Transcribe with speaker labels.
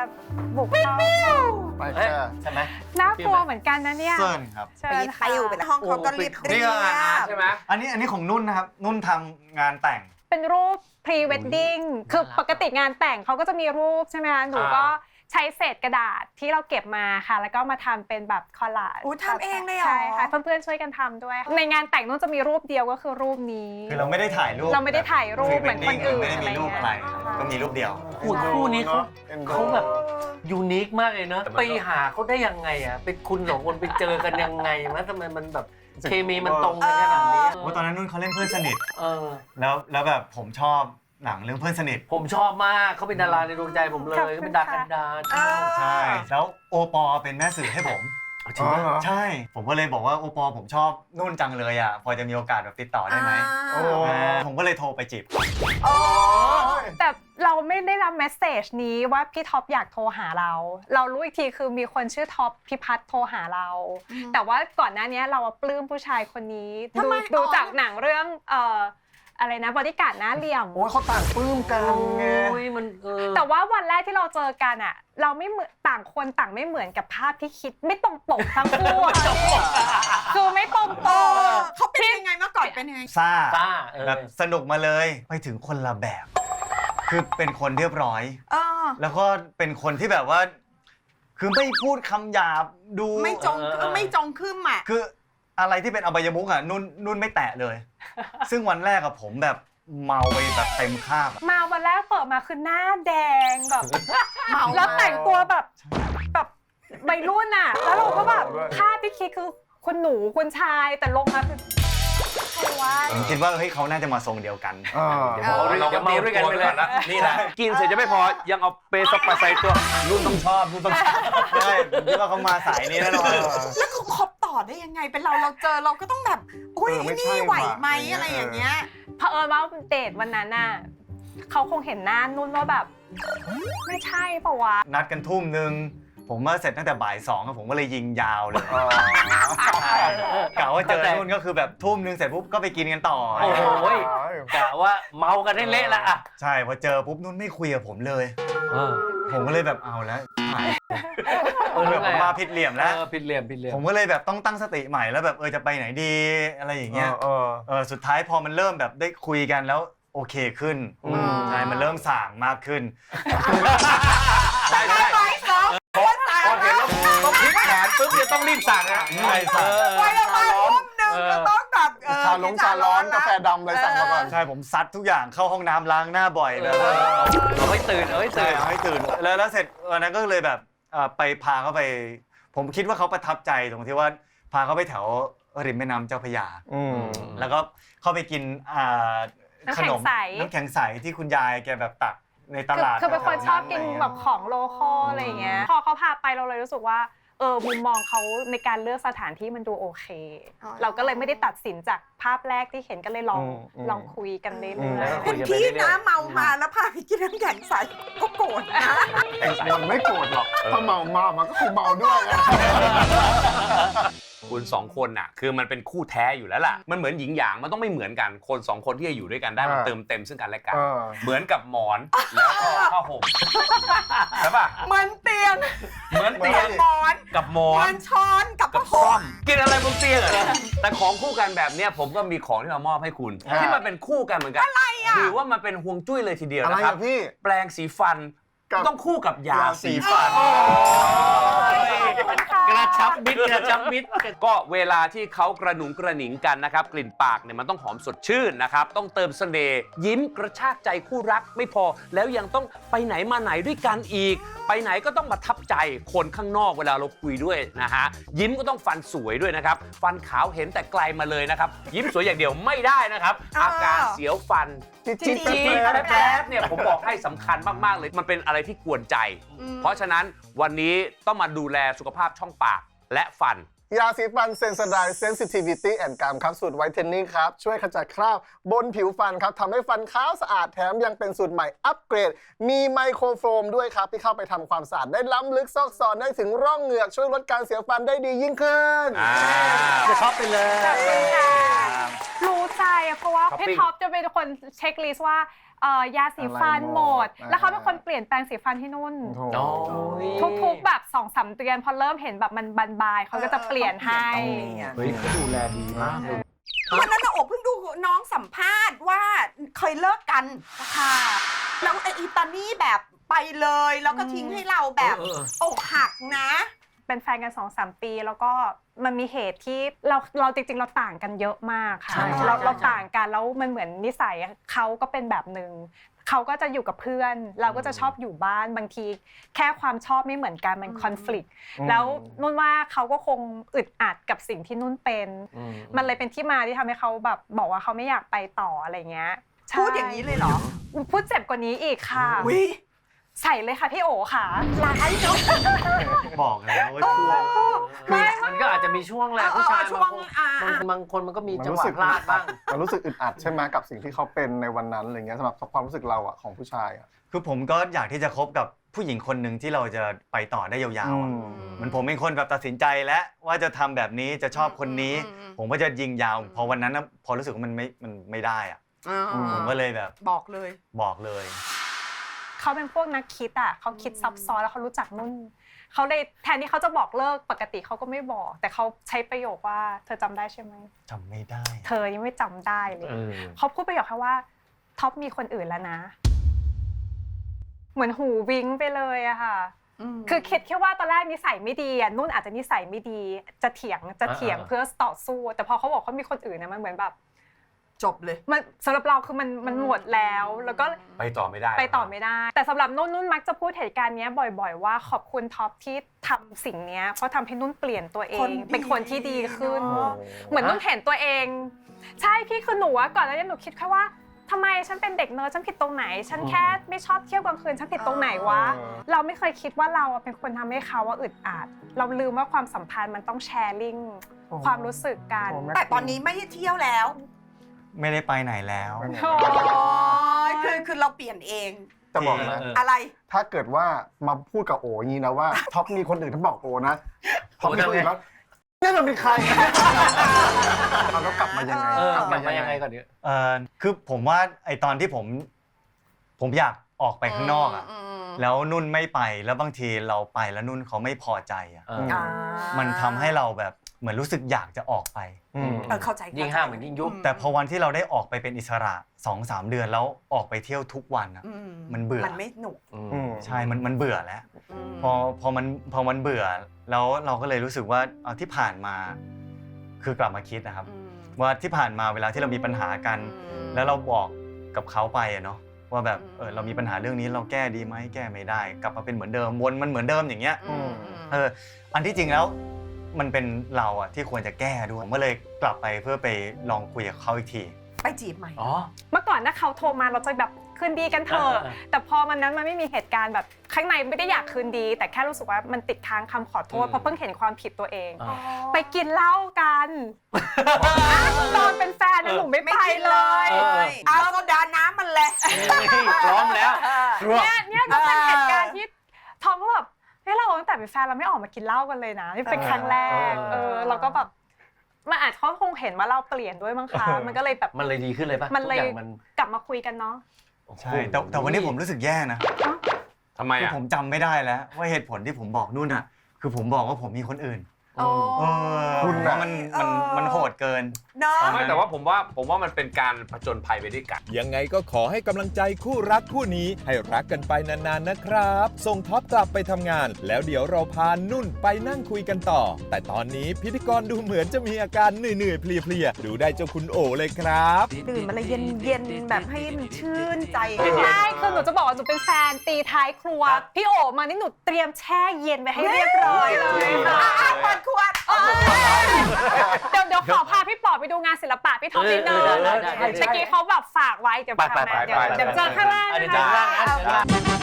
Speaker 1: บุกเข้า
Speaker 2: ไปแค่
Speaker 3: ใช่ไหม
Speaker 1: น่ากลัวเหมือนกันนะเนี่ย
Speaker 4: เซิร์นครับ
Speaker 1: เชิ
Speaker 5: ไป
Speaker 1: ญ
Speaker 5: ไป
Speaker 1: ค่ะ
Speaker 5: อยู่เป็นห้องเขาก็เรียบ
Speaker 3: นี่ก็งานอาร์ตใช่ไหม
Speaker 4: อันนี้ของนุ่นนะครับนุ่นทำงานแต่ง
Speaker 1: เป็นรูป pre wedding คือปกติงานแต่งเขาก็จะมีรูปใช่ไหมคะหนูก็ใช้เศษกระดาษที่เราเก็บมาค่ะแล้วก็มาทำเป็นแบบคอลลาจ
Speaker 5: อู้ทำเองเลยเหรอ
Speaker 1: ใช่ค่ะเพื่อนๆช่วยกันทำด้วยในงานแต่งนุ่นจะมีรูปเดียวก็คือรูปนี้
Speaker 4: คือเราไม่ได้ถ่ายรูป
Speaker 1: เราไม่ได้ถ่ายรูปเหมือนคนอื่น
Speaker 4: ไม่ได้มีรูปอะไร
Speaker 1: อะไรเงี้ย
Speaker 4: ก็มีรูปเดียว
Speaker 3: คู่นี้เขา
Speaker 2: เอ็นดู
Speaker 3: เขาแบบยูนิคมากเลยเนอะไปหาเขาได้ยังไงอ่ะเป็นคุณสองคนไปเจอกันยังไงวะทำไมมันแบบเคมีมันตรงกันขนาดนี้
Speaker 4: ว่าตอนนั้นนุ่นเขาเล่นเพื่อนสนิท
Speaker 3: เออ
Speaker 4: แล้วแบบผมชอบหนังเรื่องเพื่อนสนิท
Speaker 3: ผมชอบมากเขาเป็นดาราในดวงใจผมเลยเขาเป็นดากันดา
Speaker 4: ใช่ แล้วโอปอเป็นแม่สื่อให้ผม
Speaker 3: จริงไหม
Speaker 4: ใช่ ผมก็เลยบอกว่าโอปอผมชอบนุ่นจังเลยอ่ะพอจะมีโอกาสแบบติดต่อได้ไหม
Speaker 2: โอ้
Speaker 4: ผมก็เลยโทรไปจีบ
Speaker 1: แต่เราไม่ได้รับเมสเซจนี้ว่าพี่ท็อปอยากโทรหาเรา เรารู้อีกทีคือมีคนชื่อท็อปพิพัฒน์โทรหาเรา แต่ว่าก่อนหน้านี้เราปลื้มผู้ชายคนนี้ดูจากหนังเรื่องอะไรนะบอดี้การ์ดหน้าเหลี่ยม
Speaker 2: โอ้ยเขาต่างปลื้มกันไง
Speaker 3: โอ้ยมัน
Speaker 1: แต่ว่าวันแรกที่เราเจอกันอ่ะเราไม่เหมือนต่างคนต่างไม่เหมือนกับภาพที่คิดไม่ตรงปกทั้งคู่อะคือไม่ตรงปก
Speaker 5: เขาเป็นยังไงเมื่อก่อนเป็นยังไง
Speaker 4: ซ่า
Speaker 3: ซ่า
Speaker 4: แบบสนุกมาเลยไปถึงคนละแบบ คือเป็นคนเรียบร้อย แล้วก็เป็นคนที่แบบว่า คือไม่พูดคำหยาบดู
Speaker 5: ไม่จงขึ้นอ่ะ
Speaker 4: คืออะไรที่เป็นอบายมุขอ่ะนุ่นไม่แตะเลย ซึ่งวันแรกอะผมแบบเมาไปแบบเต็มคาบอะ
Speaker 1: มาวันแรกเปิดมาคือหน้าแดงแบบ
Speaker 5: เมา
Speaker 1: แล้วแต่งตัวแบบวัยรุ่นอ่ะ แล้วเราก็แบบภาพที่คิดคือคุณหนูคุณชายแต่ลงมาคือใครวะ
Speaker 4: ผมคิดว่าเฮ้ยเขาน่าจะมาทรงเดียวกัน
Speaker 3: เราก็มีด้วยกันไปเลยนี่แหละกินเสร็จจะไม่พอยังเอาเปสปาใส่ตัว
Speaker 4: นุ่นต้องชอบใช่ผมคิดว่าเขามาสายนี้แน่นอน
Speaker 5: แล้วเขาคบต่อได้ยังไงเป็นเราเจอเราก็ต้องแบบอุ้ยนี่ไหวไหมอะไรอย่างเงี้ย
Speaker 1: เผอิญว่าเดทวันนั้นน่ะเขาคงเห็นหน้านุ่นว่าแบบ ไม่ใช่ปะวะ
Speaker 4: นัดกันทุ่มนึงผมมาเสร็จตั้งแต่บ่าย2ครับผมก็เลยยิงยาวเลยกะว่าเจอนุ่นก็คือแบบทุ่มนึงเสร็จปุ๊บก็ไปกินกันต่อ
Speaker 3: โอ้โหกะว่าเมากันได้เละละอ่ะ
Speaker 4: ใช่พอเจอปุ๊บนุ่นไม่คุยกับผมเลยผมก็เลยแบบเอาแล้วแบบผมมาผิดเหลี่ยมแล้ว
Speaker 3: ผิดเหลี่ยม
Speaker 4: ผมก็เลยแบบต้องตั้งสติใหม่แล้วแบบจะไปไหนดีอะไรอย่างเงี้ยสุดท้ายพอมันเริ่มแบบได้คุยกันแล้วโอเคขึ้นใช่มันเริ่มส่างมากขึ้น
Speaker 3: ใช่พอเห็นแล้วต้องพลิกแขนปุ๊บจะต้องรีบสั่งนะ
Speaker 4: ใช่สั่ง
Speaker 5: ไว้ละมาทุ่มหนึ่งก็ต้องแบบ
Speaker 2: ชาร้อนกาแฟดำอะไรสั่งมาก่อน
Speaker 4: ใช่ผมซัดทุกอย่างเข้าห้องน้ำล้างหน้าบ่อยแบบว่า
Speaker 3: เอาให้ตื่น
Speaker 4: ใช่เอาให้ตื่นแล้วเสร็จวันนั้นก็เลยแบบไปพาเขาไปผมคิดว่าเขาประทับใจตรงที่ว่าพาเขาไปแถวริมแม่น้ำเจ้าพระยาแล้วก็เข้าไปกินขนมน้ำแข็งใสที่คุณยายแกแบบตักในตลาด
Speaker 1: คือเป็นคนชอบกินแบบของโลคอลอะไรอย่างเงี้ยพอเขาพาไปเราเลยรู้สึกว่ามุมมองเขาในการเลือกสถานที่มันดูโอเค เราก็เลยไม่ได้ตัดสินจากภาพแรกที่เห็นก็เลยลองคุยกันเรื่อยๆ
Speaker 5: เป็นพี่นะเมามาแล้วพาไปกินน้ำแข็งใสก็โกรธนะ
Speaker 2: มันไม่โกรธหรอกถ้าเมามันก็คงเมาด้วย
Speaker 6: คุณสองคนน่ะคือมันเป็นคู่แท้อยู่แล้วล่ะมันเหมือนหญิงหยางมันต้องไม่เหมือนกันคนสองคนที่จะอยู่ด้วยกันได้มันเติมเต็มซึ่งกันและกันเหมือนกับหมอนแล้วก็ผ้าห่มใช่ป่ะ
Speaker 5: เหมือนเตียง
Speaker 6: เหมือนเตียง
Speaker 5: หมอน
Speaker 6: กับหมอ
Speaker 5: เหมื
Speaker 6: น
Speaker 5: อนช้อนกับ
Speaker 6: กับ
Speaker 5: ผ้า
Speaker 6: ซ่
Speaker 5: ห่
Speaker 6: อ
Speaker 5: ม
Speaker 6: มกินอะไรบนเตียงเหรอแต่ของคู่กันแบบเนี้ยผมก็มีของที่มามอบให้คุณที่มันเป็นคู่กันเหมือนกันอะไรอ่ะถือว่ามันเป็นห่วงจุ้ยเลยทีเดียว
Speaker 2: อะไร
Speaker 6: นะครับ
Speaker 2: พี่
Speaker 6: แปรงสีฟันต้องคู่กับยาสีฟัน
Speaker 3: กระชับมิตร
Speaker 6: ก็เวลาที่เขากระหนุงกระหนิงกันนะครับกลิ่นปากเนี่ยมันต้องหอมสดชื่นนะครับต้องเติมเสน่ห์ยิ้มกระชากใจคู่รักไม่พอแล้วยังต้องไปไหนมาไหนด้วยกันอีก ไปไหนก็ต้องประทับใจคนข้างนอกเวลาเราคุยด้วยนะฮะยิ้มก็ต้องฟันสวยด้วยนะครับฟันขาวเห็นแต่ไกลมาเลยนะครับยิ้มสวยอย่างเดียวไม่ได้นะครับอาการเสียวฟัน
Speaker 2: จิ๊ด
Speaker 6: แป๊บเนี่ยผมบอกให้สำคัญมากๆเลยมันเป็นอะไรที่กวนใจ เพราะฉะนั้นวันนี้ต้องมาดูแลสุขภาพช่องปากและฟัน
Speaker 2: ยาสีฟันเซนสไดเซนซิทิวิตี้แอนด์กามครับสูตรไวท์เทนนิ่งครับ ช่วยขจัดคราบบนผิวฟันครับทำให้ฟันขาวสะอาดแถมยังเป็นสูตรใหม่อัปเกรด มีไมโครโฟมด้วยครับ ที่เข้าไปทำความสะอาดได้ล้ำลึกซอกซอนได้ถึงร่องเหงือก ช่วยลดการเสียฟันได้ดียิ่งขึ้น
Speaker 3: จะชอบไปเลย
Speaker 1: รู้ใจอะเพราะว่าพี่ท็อปจะเป็นคนเช็คลิสต์ว่ายาสีฟัน
Speaker 2: อะไร
Speaker 1: หมด
Speaker 2: อ่า
Speaker 1: แล้วเขาเป็นคนเปลี่ยนแปลงสีฟันให้นุ่น
Speaker 2: โอ้
Speaker 3: โอ้ย
Speaker 1: ทุกๆแบบ2-3 เดือนพอเริ่มเห็นแบบมันบานๆเขาก็จะเปลี่ยนให้
Speaker 3: เฮ้ยเขาดูแลดีมากเลย
Speaker 5: วันนั้นนะโอบเพิ่งดูน้องสัมภาษณ์ว่าเคยเลิกกันค่ะแล้วไอ้อีตานี่แบบไปเลยแล้วก็ทิ้งให้เราแบบอกหักนะ
Speaker 1: เป็นแฟนกัน 2-3 ปีแล้วก็มันมีเหตุที่เราจริงๆเราต่างกันเยอะมากค่ะ
Speaker 3: ใช่
Speaker 1: เราต่างกันแล้วมันเหมือนนิสัยเขาก็เป็นแบบหนึ่งเขาก็จะอยู่กับเพื่อน เราก็จะชอบอยู่บ้านบางทีแค่ความชอบไม่เหมือนกันมันคอน FLICT แล้วนุ่นว่าเขาก็คงอึดอัดกับสิ่งที่นุ่นเป็น มันเลยเป็นที่มาที่ทำให้เขาแบบบอกว่าเขาไม่อยากไปต่ออะไรเงี้ยใช่
Speaker 5: พูดอย่างนี้เลยเหรอ
Speaker 1: พูดเจ็บกว่านี้อีกค่ะ
Speaker 5: วิ
Speaker 1: ใส่เลยค่ะพี่โอค่ะ
Speaker 5: ร้ายเนาะ
Speaker 4: บอกแล้วว่าช่วง
Speaker 3: มันก็อาจจะมีช่วงแหละผู้ชาย
Speaker 5: ช่ว
Speaker 3: บาง งคนบางคนมันก็มี
Speaker 2: มัน
Speaker 3: จังห
Speaker 2: รู้
Speaker 3: วะ
Speaker 2: สึก
Speaker 3: พลาดบ้าง
Speaker 2: มันรู้สึกอึดอัดใช่ไหมกับสิ่งที่เขาเป็นในวันนั้นอะไรเงี้ยสำหรับความรู้สึกเราอะของผู้ชายอะ
Speaker 4: คือผมก็อยากที่จะคบกับผู้หญิงคนหนึ่งที่เราจะไปต่อได้ยาวๆอะเหมือนผมเป็นคนแบบตัดสินใจแล้วว่าจะทำแบบนี้จะชอบคนนี้ ผมก็จะยิงยาว พอวันนั้นนะพอรู้สึกว่ามันไม่ได้อะผมก็เลยแบบ
Speaker 5: บอกเลย
Speaker 4: บอกเลย
Speaker 1: เขาเป็นพวกนักคิดอ่ะเขาคิดซับซ้อนแล้วเขารู้จักนุ่นเขาเลยแทนที่เขาจะบอกเลิกปกติเขาก็ไม่บอก แต่เขาใช้ประโยคว่าเธอจำได้ใช่ไหม
Speaker 4: จำไม่ได้
Speaker 1: เธอยังไม่จำได้เลย
Speaker 3: เออ
Speaker 1: เขาพูดประโยคแค่ว่าท็อปมีคนอื่นแล้วนะ เหมือนหูวิ้งไปเลยอะค่ะ คือคิดแค่ว่าตอนแรกนิสัยไม่ดีอะนุ่นอาจจะนิสัยไม่ดีจะเถียงเพื่อต่อสู้ แต่พอเขาบอกเขามีคนอื่นนะมันเหมือนแบบ
Speaker 5: จบเลย
Speaker 1: มันสำหรับเราคือมันหมดแล้วก็
Speaker 6: ไปต่อไม่ได้
Speaker 1: ไปต่อไม่ได้ แต่สำหรับนุ่นมักจะพูดเหตุการณ์นี้บ่อยๆว่าขอบคุณท็อปที่ทำสิ่งนี้เพราะทำให้นุ่นเปลี่ยนตัวเอ
Speaker 5: ค
Speaker 1: ง
Speaker 5: นดี
Speaker 1: เป็นคนที่ดีขึ้น
Speaker 5: เนอะ
Speaker 1: เหมือนนุ่นเห็นตัวเอง ใช่พี่คือหนูอะก่อนหน้านี้หนูคิดแค่ว่าทำไมฉันเป็นเด็กเนิร์ดฉันผิดตรงไหน ฉันแค่ไม่ชอบเที่ยวกลางคืนฉันผิดตรงไหนวะ เราไม่เคยคิดว่าเราอะเป็นคนทำให้เขาว่าอึดอัดเราลืมว่าความสัมพันธ์มันต้องแชร์ลิงความรู้สึกกัน
Speaker 5: แต่ตอนนี้ไม่ได้เที่ยวแล้ว
Speaker 4: ไม่ได้ไปไหนแล้ว
Speaker 1: โอ้
Speaker 5: คือเราเปลี่ยนเอง
Speaker 2: จะบอกนะ
Speaker 5: อะไร
Speaker 2: ถ้าเกิดว่ามาพูดกับโออย่างนี้นะว่าท็อปมีคนอื่นถ้าบอกโอนะท็อปมีคนอื่นแล้วนี่มันเป็นใครเราก็กลับมายังไง
Speaker 3: กลับมายังไงก่อนเนี่ย
Speaker 4: คือผมว่าไอตอนที่ผมอยากออกไปข้างนอกอะแล้วนุ่นไม่ไปแล้วบางทีเราไปแล้วนุ่นเขาไม่พอใจอะมันทำให้เราแบบเหมือนรู้สึกอยากจะออกไป
Speaker 5: เข้าใจ
Speaker 3: ยิ่งห้ามเหมือนยิ่งยุบ
Speaker 4: แต่พอวันที่เราได้ออกไปเป็นอิสระ 2-3 เดือนแล้วออกไปเที่ยวทุกวันอะมันเบื่อ
Speaker 5: มันไม่หนุก
Speaker 4: ใช่มันเบื่อแล้วพอมันเบื่อแล้วเราก็เลยรู้สึกว่าเอาที่ผ่านมาคือกลับมาคิดนะครับ ว่าที่ผ่านมาเวลาที่เรามีปัญหากัน แล้วเราบอกกับเขาไปอะเนาะว่าแบบเรามีปัญหาเรื่องนี้เราแก้ดีไหมแก้ไม่ได้ กลับมาเป็นเหมือนเดิมวนมันเหมือนเดิมอย่างเงี้ยอันที่จริงแล้วมันเป็นเราอะที่ควรจะแก้ด้วยผมก็เลยกลับไปเพื่อไปลองคุยกับเขาอีกที
Speaker 5: ไปจีบใหม่
Speaker 3: อ๋อ
Speaker 1: เมื่อก่อนถ้าเขาโทรมาเราจะแบบคืนดีกันเถอะแต่พอมันนั้นมันไม่มีเหตุการณ์แบบข้างในไม่ได้อยากคืนดี แต่แค่รู้สึกว่ามันติดค้างคำขอโทษเพราะเพิ่งเห็นความผิดตัวเอง ไปกินเหล้ากันตอนเป็นแฟนนะหนูไม่ไปเลย
Speaker 5: เอาโซดาน้ำมันเลย
Speaker 6: พร้อมแล้ว
Speaker 1: เนี่ยก็เป็นเหตุการณ์ที่ทอมก็แบบเฮ้ยเราตั้งแต่เป็นแฟนเราไม่ออกมากินเหล้ากันเลยนะนี่เป็นครั้งแรกเราก็แบบมันอาจเขาคงเห็นว่าเราเปลี่ยนด้วยมั้งคะมันก็เลยแบบ
Speaker 3: มันเลยดีขึ้นเลยป่ะ
Speaker 1: มันเลย
Speaker 3: ทุกอย่าง
Speaker 1: กลับมาคุยกันเนาะ
Speaker 4: ใช่แต่วันนี้ผมรู้สึกแย่นะ
Speaker 6: ทำไม
Speaker 4: คือ
Speaker 6: อ่ะ
Speaker 4: ผมจำไม่ได้แล้วว่าเหตุผลที่ผมบอกนุ่นอ่ะคือผมบอกว่าผมมีคนอื่น
Speaker 2: คุณ
Speaker 4: ว่า
Speaker 2: น่ะ
Speaker 4: มันโหดเกิน
Speaker 5: เนาะ
Speaker 6: ไม่แต่ว่าผมว่ามันเป็นการผจญภัยไปด้วยกัน
Speaker 7: ยังไงก็ขอให้กำลังใจคู่รักคู่นี้ให้รักกันไปนานๆนะครับ ส่งท็อปกลับไปทำงาน แล้วเดี๋ยวเราพานุ่นไปนั่งคุยกันต่อ แต่ตอนนี้พิธีกรดูเหมือนจะมีอาการเหนื่อยๆเพลียๆดูได้เจ้าคุณโอเลยครับ
Speaker 5: ตื่นมาเลยเย็นๆแบบให้มันชื่นใจ
Speaker 1: ใช่คือหนูจะบอกว่าหนูเป็นแฟนตีท้ายครัวพี่โอมานี่หนูเตรียมแช่เย็นไว้ให้เรียบร้อยเลยค่ะ
Speaker 5: เปิดขวด
Speaker 1: เดี๋ยวขอพาพี่ปอไปดูงานศิลปะพี่ท็อปนิดนึง
Speaker 3: ได้
Speaker 1: เมื่อกี้เขาแบบฝากไว้เดี๋ยว
Speaker 6: ไป
Speaker 1: เดี๋ยวเจอข้างล่าง
Speaker 3: เดี๋ยว
Speaker 1: นะ
Speaker 3: เจอข้างล่างนะ
Speaker 1: คะ